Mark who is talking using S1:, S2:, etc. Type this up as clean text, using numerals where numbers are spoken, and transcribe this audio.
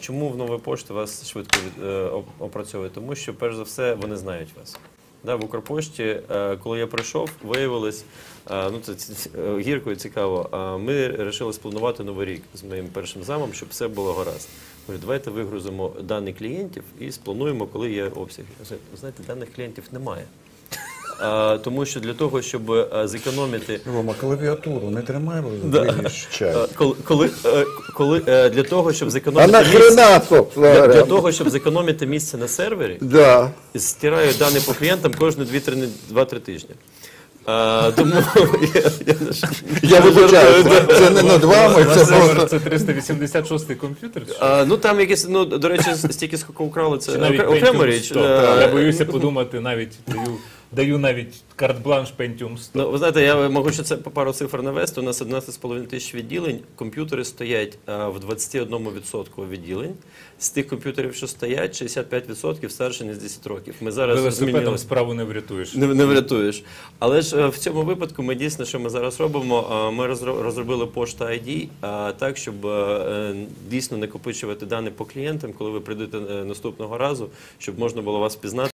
S1: чому в Новій пошті вас швидко опрацьовує? Тому що, перш за все, вони знають вас. В Укрпошті, коли я прийшов, виявилось, ну це гірко і цікаво, ми вирішили спланувати Новий рік з моїм першим замом, щоб все було гаразд. Говорю, давайте вигрузимо дані клієнтів і сплануємо, коли є обсяги. Ви знаєте, даних клієнтів немає. Тому що для того, щоб зекономити...
S2: Рома, клавіатуру не тримай,
S1: для того, щоб зекономити для того, щоб зекономити місце на сервері, стираю дані по клієнтам кожні 2-3 тижні. Тому
S2: я вибачаю, це не над вами, це просто...
S3: Це 386-й комп'ютер?
S1: Ну там якісь, ну, до речі, стільки скільки украли, це окрема річ.
S3: Я боюся подумати, навіть даю навіть карт-бланш Pentium 100.
S1: Ну, ви знаєте, я можу ще це по пару цифр навести. У нас 11,5 тисяч відділень, комп'ютери стоять в 21% відділень. З тих комп'ютерів, що стоять, 65% старше, ніж 10 років. Ми зараз
S3: велосипедом справу не врятуєш.
S1: Не врятуєш. Але ж в цьому випадку ми дійсно, що ми зараз робимо, ми розробили пошта ID так, щоб дійсно накопичувати дані по клієнтам, коли ви прийдете наступного разу, щоб можна було вас пізнати.